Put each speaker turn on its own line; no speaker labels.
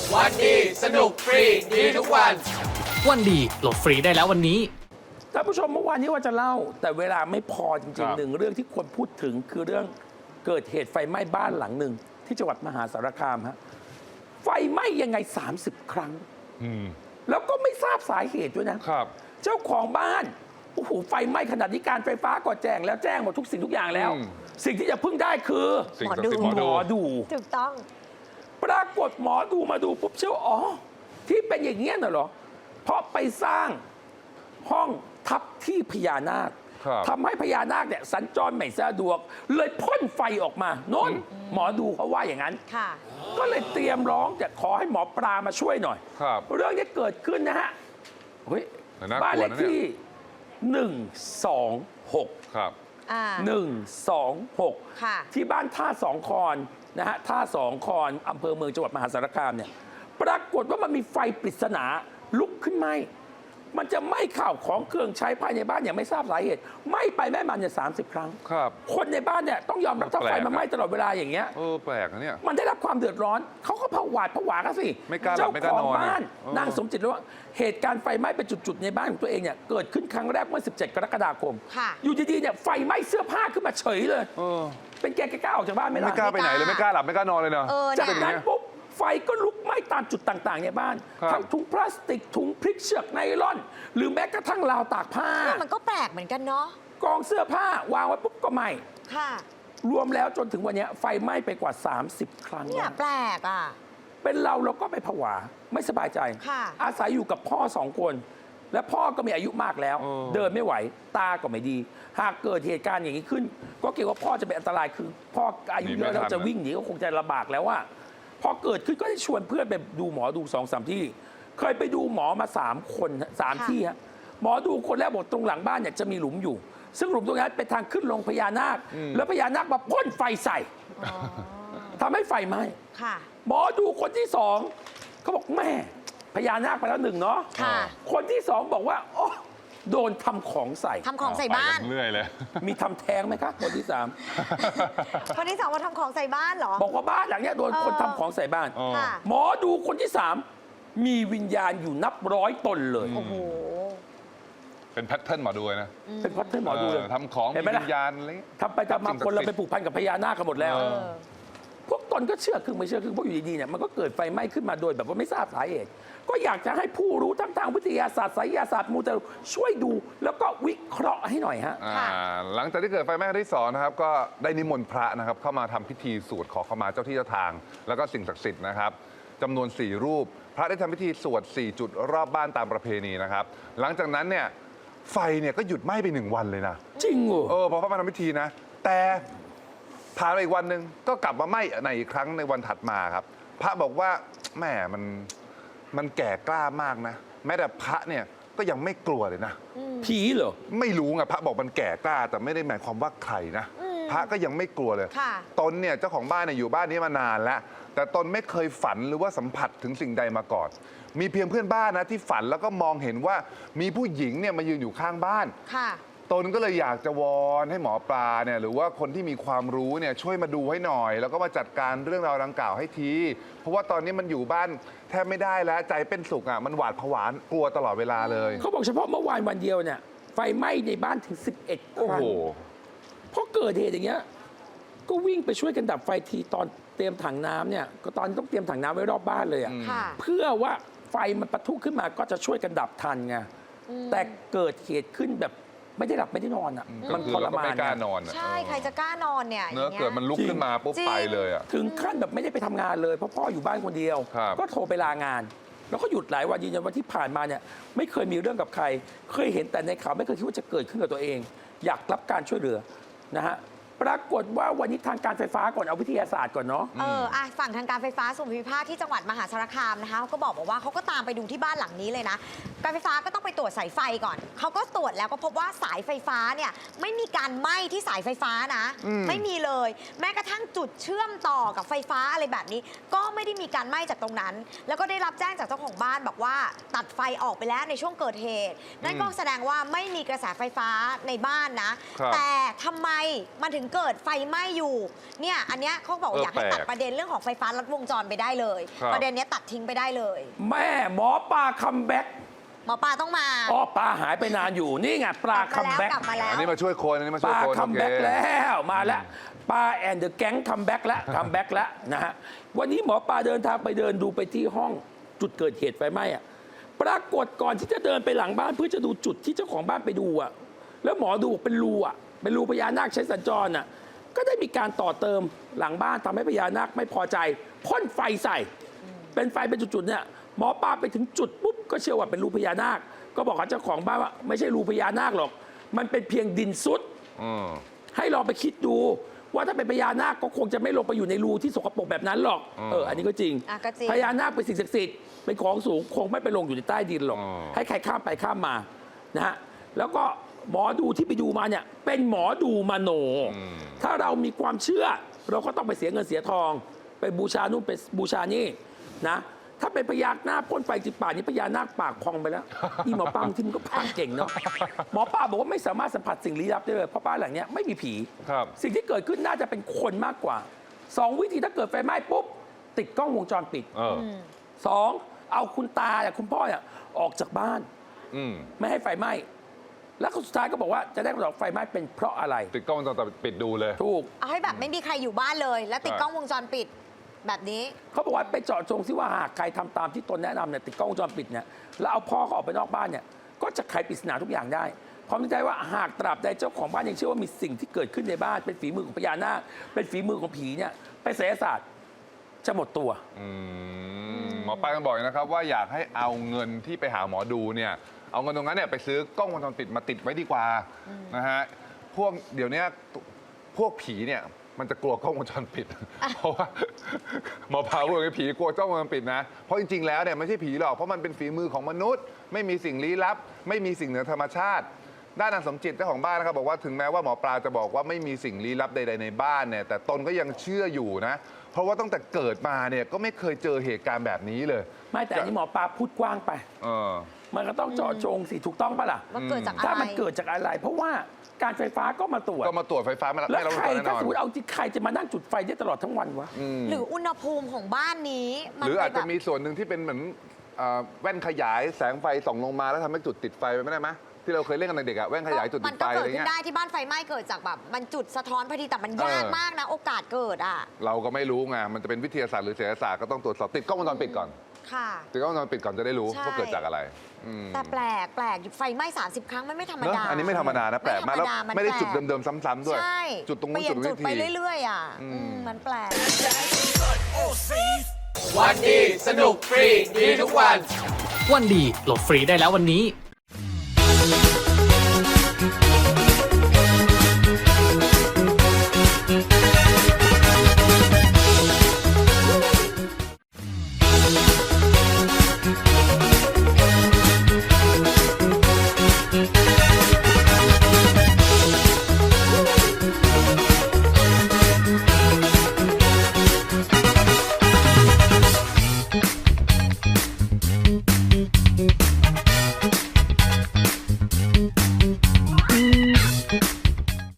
วันดีสนุกฟรีดีทุกวัน
วันดีโหลดฟรีได้แล้ววันนี้
ท่านผู้ชมเมื่อวานนี้ว่าจะเล่า แต่เวลาไม่พอจ
ค
ริ
รั
ง
บ
ๆหนึ่งเรื่องที่คนพูดถึงคือเรื่องเกิดเหตุไฟไหม้บ้านหลังหนึ่งที่จังหวัดมหาสารคามฮะไฟไหม้ยังไง 30 ครั้ง แล้วก็ไม่ทราบสาเหตุด้วยนะครับ เจ้าของบ้านโอ้โหไฟไหม้ขนาดนี้การไฟฟ้าก็แจ้งแล้วแจ้งหมดทุกสิ่งทุกอย่างแล้ว สิ่งที่จะพึ่งได้คือ
สิ่งศักดิ์สิทธิ์หมอ
หม
ดู
อดู
ถูกต้อง
ปรากฏหมอดูมาดูปุ๊บเชื่อว่าอ๋อที่เป็นอย่างเงี้ยน่ะเหรอเพราะไปสร้างห้องทับที่พญานาค
ครับ
ทำให้พญานาคเนี่ยสัญจรไม่สะดวก เลยพ่นไฟออกมาโน่นหมอดูเขาว่าอย่างนั้น
ค่ะ
ก็เลยเตรียมร้องจะขอให้หมอปลามาช่วยหน่อย
ครับ
เรื่องนี้เกิดขึ้นนะฮะเฮ้ย
แต่น่ากลัวนะ
บ้านเลขที่ 126
ครับ
อ่า
126
ค่ะ
ที่บ้านท่าสองคอนนะฮะท่าสองคอนอำเภอเมืองจังหวัดมหาสารคามเนี่ยปรากฏว่ามันมีไฟปริศนาลุกขึ้นไหมมันจะไหม้ข่าวของเครื่องใช้ภายในบ้านอย่างไม่ทราบสาเหตุไหม้ไปไหม้มาเนี่ย30 ครั้ง
ครับ
คนในบ้านเนี่ยต้องยอมรับถ้า
แปล
ไฟ
ก
มันไหม้ตลอดเวลาอย่างเงี้ย
แปลกนะเนี่ย
มันได้รับความเดือดร้อนเขาก็ผวาดผวากันสิ
ไม่กล้าหลับ
เจ้า
ไม่กล้า
ของ
นอน
บ้าน
เออ
นางสมจิตเลยว่าเหตุการณ์ไฟไหม้เป็นจุดๆในบ้านของตัวเองเนี่ยเกิดขึ้นครั้งแรกเมื่อ 17 กรกฎาคม
ค่ะ
อยู่ดีๆเนี่ยไฟไหม้เสื้อผ้าขึ้นมาเฉยเลย
เออ
เป็นแกกล้าออกจากบ้านไหม
ไม่
ล่ะ
กล้าไปไหนเลยไม่กล้าหลับไม่กล้านอนเลยเนาะ
เออ
จาก
เนี่ย
นั้นปุ๊บไฟก็ลุกไหม้ตามจุดต่างๆในบ้าน
ครับ
ทั้งถุงพลาสติกถุงพริกเชือกไนล่อน หรือแม้กระทั่งราวตากผ้า
เนี่ยมันก็แปลกเหมือนกันเนาะ
กองเสื้อผ้าวางไว้ปุ๊บก็ไหม้
ค่ะ
รวมแล้วจนถึงวันเนี้ยไฟไหม้ไปกว่า 30 ครั้ง
เนี่ย
แล้ว
แปลกอ่ะ
เป็นเราก็ไม่ผวาไม่สบายใจ
ค่ะ
อาศัยอยู่กับพ่อ2 คน และพ่อก็มีอายุมากแล้ว
เออ
เดินไม่ไหวตาก็ไม่ดี หากเกิดเหตุการณ์อย่างนี้ขึ้น ก็เกรงว่าพ่อจะเป็นอันตรายคือ พ่ออายุเยอะแล้วจะวิ่งหนีก็คงจะลำบากแล้วว่าพอเกิดขึ้นก็ได้ชวนเพื่อนไปดูหมอดู2-3 ที่ เคยไปดูหมอมา3 คน3 ที่ฮะหมอดูคนแรกบอกตรงหลังบ้านเนี่ยจะมีหลุมอยู่ ซึ่งหลุมตรงนั้นเป็นทางขึ้นลงพญานาค แล้วพญานาคมาพ่นไฟใส่
อ๋อ
ทำให้ไฟไหม้
ค่ะ
หมอดูคนที่2เขาบอกแม่พญานาคไปแล้ว1เนาะ
ค่ะ
คนที่2บอกว่าโอ้โดนทำของใส่
ทำของใส่บ้าน
ไปกัเรื่อยเลย
มีทำแท้งไหมคะคนที่
คนที่สองมาทำของใส่บ้านเหรอ
3 บอกว่าบ้านหลังเนี้ยโดนคน
เออ
ทำของใส่บ้าน
อ๋อ
ค่ะ
หมอดูคนที่ 3 มีวิญญาณอยู่นับ100 ตนเลย
โอ้โห
เป็นแพทเทิร์นหมอดูเลยนะ
เป็นพัฒน์หมอดูเลย
ทำของ
เห็นไหม
มี
ล่ะ
วิญญาณอะไรเงี้ย
ทำไปทำมาคนเราไปผูกพันกับพญานาคกันหมดแล้ว
เอ
เออ
พวกตนก็เชื่อครึ่งไม่เชื่อครึ่งเพราะอยู่ดีๆเนี่ยมันก็เกิดไฟไหม้ขึ้นมาโดยแบบว่าไม่ทราบสาเหตุก็อยากจะให้ผู้รู้ทั้งทางวิทยาศาสตร์ไสยศาสตร์มูเตลูช่วยดูแล้วก็วิเคราะห์ให้หน่อยฮะ
อ่าหลังจากที่เกิดไฟไหม้ครั้งที่2นะครับก็ได้นิมนต์พระนะครับเข้ามาทำพิธีสวดขอขมาเจ้าที่เจ้าทาง แล้วก็สิ่งศักดิ์สิทธิ์นะครับจำนวน 4 รูป พระได้ทำพิธีสวด 4 จุดรอบบ้านตามประเพณีนะครับหลังจากนั้นเนี่ยไฟเนี่ยก็หยุดไหม้ไป1 วันเลยนะ
จริงเหรอ
พอเขามาทำพิธีนะ แต่ผ่านไปอีกวันหนึ่งก็กลับมาไหม้ในอีกครั้งในวันถัดมาครับ พระบอกว่าแหมมันแก่กล้ามากนะ แม้แต่พระเนี่ยก็ยังไม่กลัวเลยนะ
ผีเหรอ
ไม่รู้ไงพระบอกมันแก่กล้า แต่ไม่ได้หมายความว่าใครนะ พระก็ยังไม่กลัวเลย
ค่ะ
ตนเนี่ยเจ้าของบ้านเนี่ยอยู่บ้านนี้มานานแล้ว แต่ตนไม่เคยฝันหรือว่าสัมผัสถึงสิ่งใดมาก่อน มีเพียงเพื่อนบ้านนะที่ฝันแล้วก็มองเห็นว่ามีผู้หญิงเนี่ยมายืนอยู่ข้างบ้าน
ค่ะ
ตนก็เลยอยากจะวอนให้หมอปลาเนี่ยหรือว่าคนที่มีความรู้เนี่ยช่วยมาดูให้หน่อย แล้วก็มาจัดการเรื่องราวดังกล่าวให้ที เพราะว่าตอนนี้มันอยู่บ้านแทบไม่ได้แล้วใจเป็นสุขอ่ะมันหวาดผวากลัวตลอดเวลาเลย
เขาบอกเฉพาะเมื่อวานวันเดียวเนี่ยไฟไหม้ในบ้านถึง 11 ค
โอ้
รั้
โห
งเพราะเกิดเหตุอย่างเงี้ยก็วิ่งไปช่วยกันดับไฟทีตอนเตรียมถังน้ำเนี่ยก็ตอนนต้องเตรียมถังน้ำไว้รอบบ้านเลยอะ
ค่ะ
เพื่อว่าไฟมันปะทุขึ้นมาก็จะช่วยกันดับทันไงแต่เกิดเหตุขึ้นแบบไม่ได้หลับไม่ได้นอนอ่ะ
ก็
มัน
คือ
ทร
เราก็
มา
ไม่
น
กล้า
ไง
นอนอะ
ใช่ ใครจะกล้านอนเนี่ย
เนื้อ
อย่างงี้ย
เกิดมันลุกขึ้นมาปุ๊บ
จริง
ไปเลยอ่ะ
ถึงขั้นแบบไม่ได้ไปทำงานเลยเพราะพ่ออยู่บ้านคนเดียว
ครับ
ก็โทรไปลางาน แล้วก็หยุดหลายวันยืนยันว่าที่ผ่านมาเนี่ยไม่เคยมีเรื่องกับใคร เคยเห็นแต่ในข่าวไม่เคยคิดว่าจะเกิดขึ้นกับตัวเอง อยากรับการช่วยเหลือนะฮะปรากฏว่าวันนี้ทางการไฟฟ้าก่อนเอาวิทยาศาสตร์ก่อนเนาะ
ฝั่งทางการไฟฟ้าส่วนภูมิภาคที่จังหวัดมหาสารคามนะคะเขาก็บอกว่าเขาก็ตามไปดูที่บ้านหลังนี้เลยนะการไฟฟ้าก็ต้องไปตรวจสายไฟก่อนเขาก็ตรวจแล้วก็พบว่าสายไฟฟ้าเนี่ยไม่มีการไหม้ที่สายไฟฟ้านะ ไม่มีเลย แม้กระทั่งจุดเชื่อมต่อกับไฟฟ้าอะไรแบบนี้ ก็ไม่ได้มีการไหม้จากตรงนั้น แล้วก็ได้รับแจ้งจากเจ้าของบ้านบอกว่าตัดไฟออกไปแล้วในช่วงเกิดเหตุนั่นก็แสดงว่าไม่มีกระแสไฟฟ้าในบ้านนะ แต่ทำไมมันถึงเกิดไฟไหม้อยู่เนี่ยอันเนี้ยเขาบอกอยากให้ตัดประเด็นเรื่องของไฟฟ้าลัดวงจรไปได้เลย ประเด็นเนี้ยตัดทิ้งไปได้เลย
แม่หมอปลาคัมแบ็ก
หมอปลาต้องมา
อ๋อปลาหายไปนานอยู่นี่ไงปลาคัมแบ็ก
กลับมาแล้ว
อันนี้มาช่วยคนอันนี้มา
ป
ช่วย
ลา
คน
คัมแบ็ก
โอเค
แล้วมาแล้วปลาแอนเดอะแก๊งคัมแบ็กแล้วคัมแบ็กแล้วนะฮะวันนี้หมอปลาเดินทางไปเดินดูไปที่ห้องจุดเกิดเหตุไฟไหม้อะปรากฏก่อนที่จะเดินไปหลังบ้านเพื่อจะดูจุดที่เจ้าของบ้านไปดูอะแล้วหมอดูเป็นรูอะเป็นรูพญานาคใช้สัญจรอะก็ได้มีการต่อเติมหลังบ้านทำให้พญานาคไม่พอใจพ่นไฟใส่ เป็นไฟเป็นจุดๆเนี่ยหมอปลาไปถึงจุดปุ๊บก็เชื่อว่าเป็นรูพญานาคก็บอกกับเจ้าของบ้านว่าไม่ใช่รูพญานาคหรอกมันเป็นเพียงดินซุด ให้ลองไปคิดดูว่าถ้าเป็นพญานาคก็คงจะไม่ลงไปอยู่ในรูที่สกปรกแบบนั้นหรอกอันนี้ก็จริง
ก็จริง
พญานาคเป็นสิ่งศักดิ์สิทธิ์เป็นของสูงคงไม่ไปลงอยู่ในใต้ดินหรอกให้ใครข้ามไปข้ามมานะฮะแล้วก็หมอดูที่ไปดูมาเนี่ยเป็นหมอดูมโน ถ้าเรามีความเชื่อเราก็ต้องไปเสียเงินเสียทอง ไปบูชานู่นไปบูชานี่นะถ้าเป็นพญานาคพ่นไฟจิตป่านนี้พญานาคปากพองไปแล้วนี่หมอปลาที่มันก็พากเก่งเนาะหมอปลาบอกว่าไม่สามารถสัมผัสสิ่งลี้ลับได้เลยเพราะบ้านหลังเนี้ยไม่มีผี
ครับ
สิ่งที่เกิดขึ้นน่าจะเป็นคนมากกว่า2 วิธีถ้าเกิดไฟไหม้ปุ๊บติดกล้องวงจรปิด 2เอาคุณตาเนี่ยคุณพ่อเนี่ยออกจากบ้าน ไม่ให้ไฟไหม้แล้วสุดท้ายก็บอกว่าจะได้คำตอบไฟไหม้เป็นเพราะอะไร
ติดกล้องวงจรปิดดูเลย
ถูก
เอาให้แบบไม่มีใครอยู่บ้านเลย แล้วติดกล้องวงจรปิดแบบนี้
เขาบอกว่าไปเจาะจงซิว่าหากใครทำตามที่ตนแนะนำเนี่ยติดกล้องวงจรปิดเนี่ยแล้วเอาพ่อเขาออกไปนอกบ้านเนี่ยก็จะไขปริศนาทุกอย่างได้พร้อมใจว่าหากตราบใดเจ้าของบ้านยังเชื่อว่ามีสิ่งที่เกิดขึ้นในบ้านเป็นฝีมือของพญานาคเป็นฝีมือของผีเนี่ยเป็นไสยศาสตร์จะหมดตัว
หมอปลายังบอกอีกนะครับว่าอยากให้เอาเงินที่ไปหาหมอดูเนี่ยเอาเงินตรงนั้นเนี่ยไปซื้อกล้องวงจรปิดมาติดไว้ดีกว่านะฮะพวกเดี๋ยวนี้พวกผีเนี่ยมันจะกลัวกล้องวงจรปิด เพราะว่าหมอปลาพูดว่าผีกลัวกล้องวงจรปิดนะเพราะจริงๆแล้วเนี่ยไม่ใช่ผีหรอกเพราะมันเป็นฝีมือของมนุษย์ ไม่มีสิ่งลี้ลับ ไม่มีสิ่งเหนือธรรมชาติ ด้านนางสมจิตเจ้าของบ้านนะครับบอกว่าถึงแม้ว่าหมอปลาจะบอกว่าไม่มีสิ่งลี้ลับใดๆในบ้านเนี่ยแต่ตนก็ยังเชื่ออยู่นะเพราะว่าตั้งแต่เกิดมาเนี่ยก็ไม่เคยเจอเหตุการณ์แบบนี้เลย
ไม่แต่อันนี้หมอปลาพูดกว้างไป มันก็ต้องเจาะจงสิถูกต้องปะล่ะ
ว่าเกิดจากอะไร
ถ้ามันเกิดจากอะไร เพราะว่าการไฟฟ้าก็มาตรวจ
ก็มาตรวจไฟฟ้าไม่
แล้ว
ไม่รับ
ใคร
แน่น
ถ้า
อน
สมมติเอาจริงใครจะมานั่งจุดไฟได้ตลอดทั้งวันวะ
หรืออุณหภูมิของบ้านนี้มัน
หรืออาจจะ
ไปแบบ
มีส่วนหนึ่งที่เป็นเหมือนแว่นขยายแสงไฟส่องลงมาแล้วทำให้จุดติดไฟไปไม่ได้ไหมที่เราเคยเล่นกันในเด็กอะแว่นขยายจุด
มั
ติ
น
ดไฟ
ก็
อะ
เกิ
ไร
ดขึ้
เงี้
น
ย
ได้ที่บ้านไฟไหม้เกิดจากแบบมันจุดสะท้อนพอดีแต่มันยากมากนะ โอกาสเกิดอ่ะ
เราก็ไม่รู้ไงมันจะเป็นวิทยาศาสตร์หรือศิลปศาสตร์ก็ต้องตรวจสอบติดกล้องวงจรปิดก่อน
ค่ะ
ติดกล้องวงจรปิดก่อนจะได้รู้
ใช่
ว่าเกิดจากอะไร
แต่แปลกไฟไหม้30 ครั้งมันไม่ธรรม
เนอะ
ดา
อันนี้ไม่ธรรมดานะแปลกมากแล้ว
น
ไม่ได้
แปลก
จุดเดิมๆซ้ำๆด้วย
ใช่
จุดตรงนู้น
เปลี่ย
จุ
น
ด
จุด
วิ
ไป
ธี
เรื่อยๆอ่ะมันแปลก
วันดีสนุกฟรีดีทุกวัน วันดีโหลดฟรีได้แล้ววันนี้